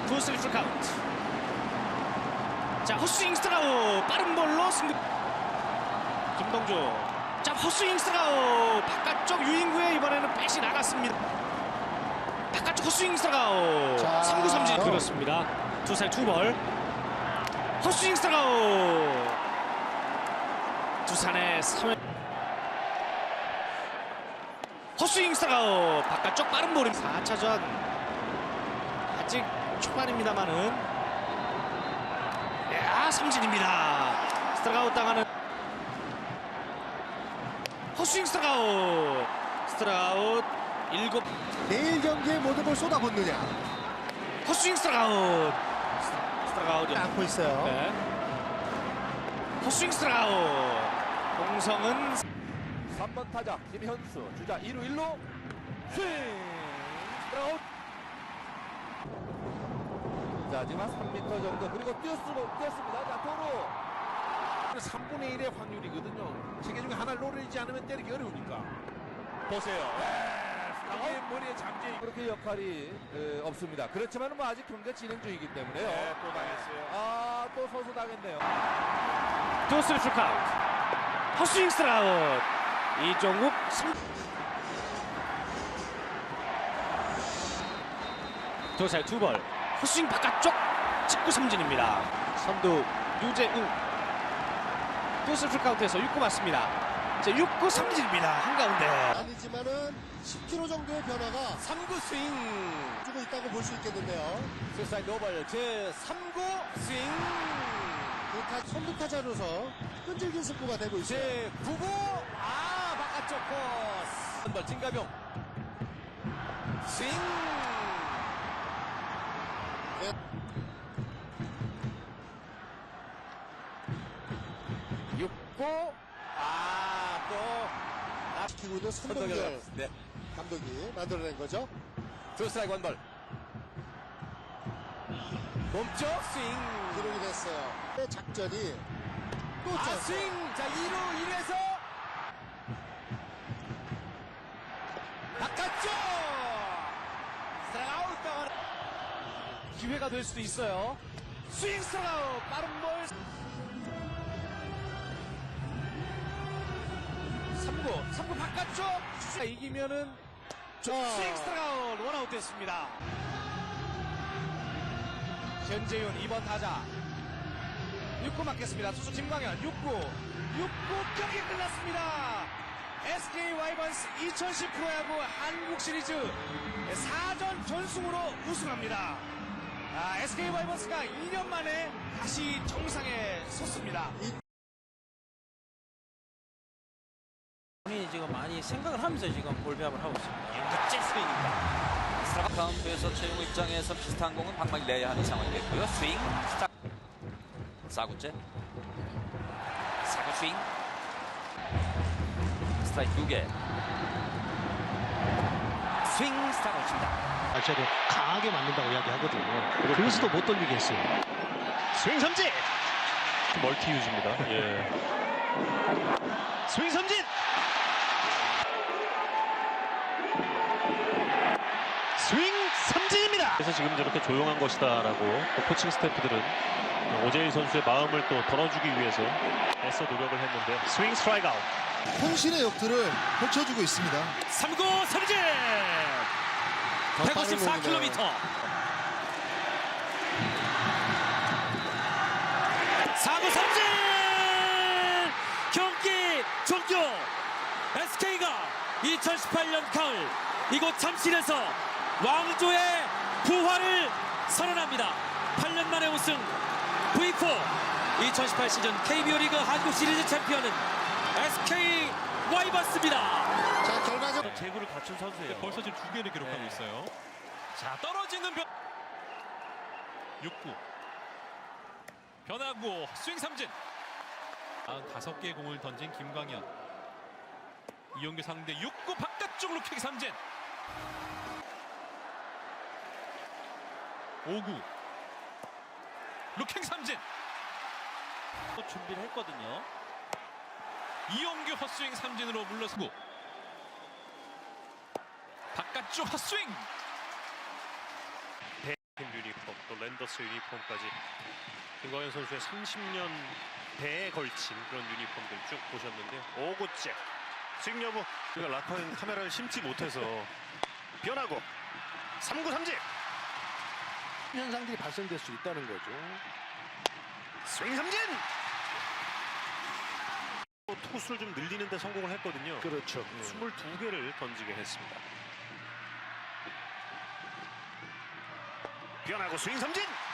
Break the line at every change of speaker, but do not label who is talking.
투스리 풀 카운트. 자, 헛스윙 스트라우 빠른 볼로 승부. 김동주. 자, 헛스윙 스트라우 바깥쪽 유인구에 이번에는 백이 나갔습니다. 바깥쪽 헛스윙 스트라우. 3구 삼진 그렇습니다. 투살 투볼. 헛스윙 스트라우. 두산의 3회. 헛스윙 스트라우 바깥쪽 빠른 볼임. 4차전 아직 초반입니다만은 삼진입니다. 스트라우트 당하는 헛스윙 스트라우트. 스트라우트 7.
내일 경기에 모든 걸 쏟아붓느냐.
헛스윙 스트라우트. 스트라우트
안고 있어요.
네. 헛스윙 스트라우트. 공성은
3번 타자 김현수 주자 2루 1루 스윙 스트라우트. 자 지금 한 3m 정도 그리고 뛰었습니다. 자 도루
3분의 1의 확률이거든요. 3개 중에 하나를 노리지 않으면 때리기 어려우니까.
보세요.
이게 머리에 잠재.
그렇게 역할이 없습니다. 그렇지만 뭐 아직 경기가 진행 중이기 때문에요.
네, 또 당했어요.
또 선수 당했네요.
투스리 풀 카운트. 헛스윙 스트라우트. 이종욱 도살 투볼. 헛스윙 바깥쪽 직구 삼진입니다. 선두 유재우. 투스리 풀 카운트에서 6구 맞습니다. 자, 6구 삼진입니다. 한가운데
아니지만은 10km 정도의 변화가
3구 스윙
주고 있다고 볼 수 있겠는데요.
스사인 노벌 제 3구 스윙
선두 타자로서 끈질긴 승부가 되고 있어요.
제 9구 바깥쪽 코스 한발 진가병 스윙
네.
6구 또
시키고 있는 선동열
네.
감독이 만들어낸 거죠.
투 스트라이크 원볼 몸쪽 스윙
기록이 됐어요. 작전이 또 짰어요.
스윙 자 2루 1루에서 바깥쪽 스트라이크 아웃.
기회가 될 수도 있어요. 스윙 스트라우트 빠른 볼. 3구 바깥쪽. 이기면은 스윙 스트라우트 원아웃 됐습니다. 현재윤 2번 타자 6구 맞겠습니다. 투수 김광현 6구 경기 끝났습니다. SK 와이번스 2010 프로야구 한국 시리즈 4전 전승으로 우승합니다. SK 와이번스가 2년 만에 다시 정상에 섰습니다.
본인이 지금 많이 생각을 하면서 지금 볼 배합을 하고 있습니다.
잭 스윙입니다.
카운트에서 최용우 입장에서 비슷한 공은 방망이 내야 하는 상황이 됐고요. 스윙 스타트 4구째 4구 스윙 스트라이크 2개 스윙 스타트를 칩니다.
저도 강하게 맞는다고 이야기하거든요. 그래서도 못 돌리게 했어요. 스윙 삼진! 멀티 유즈입니다. 예. 스윙 삼진! 스윙 삼진입니다! 그래서 지금 저렇게 조용한 것이다라고 또 코칭 스태프들은 오재일 선수의 마음을 또 덜어주기 위해서 애써 노력을 했는데 스윙 스트라이크 아웃.
혼신의 역투를 펼쳐주고 있습니다.
3구 삼진! 154km. 4구 삼진! 경기 종료! SK가 2018년 가을 이곳 잠실에서 왕조의 부활을 선언합니다. 8년 만에 우승 V4 2018 시즌 KBO 리그 한국 시리즈 챔피언은 SK 와이번스입니다.
자, 결과적
제구를 갖춘 선수예요.
벌써 지금 2개를 기록하고 있어요. 자, 떨어지는 6구 변화구 스윙 삼진. 5개의 공을 던진 김광현. 이용규 상대 6구 바깥쪽 루킥 삼진. 5구 루킹 삼진.
또 준비를 했거든요.
이용규 헛스윙 삼진으로 물러서고 바깥쪽 헛스윙.
Beauty 랜더스 유니폼까지 김광현 선수의 30년 배에 걸친 그런 유니폼들 쭉 보셨는데요. 5구째 스윙 여부 우리가 라커인 카메라를 심지 못해서 변하고 3구 삼진
현상들이 발생될 수 있다는 거죠.
스윙 삼진 투수를 좀 늘리는 데 성공을 했거든요.
그렇죠.
22개를 던지게 했습니다. 변하고 스윙 삼진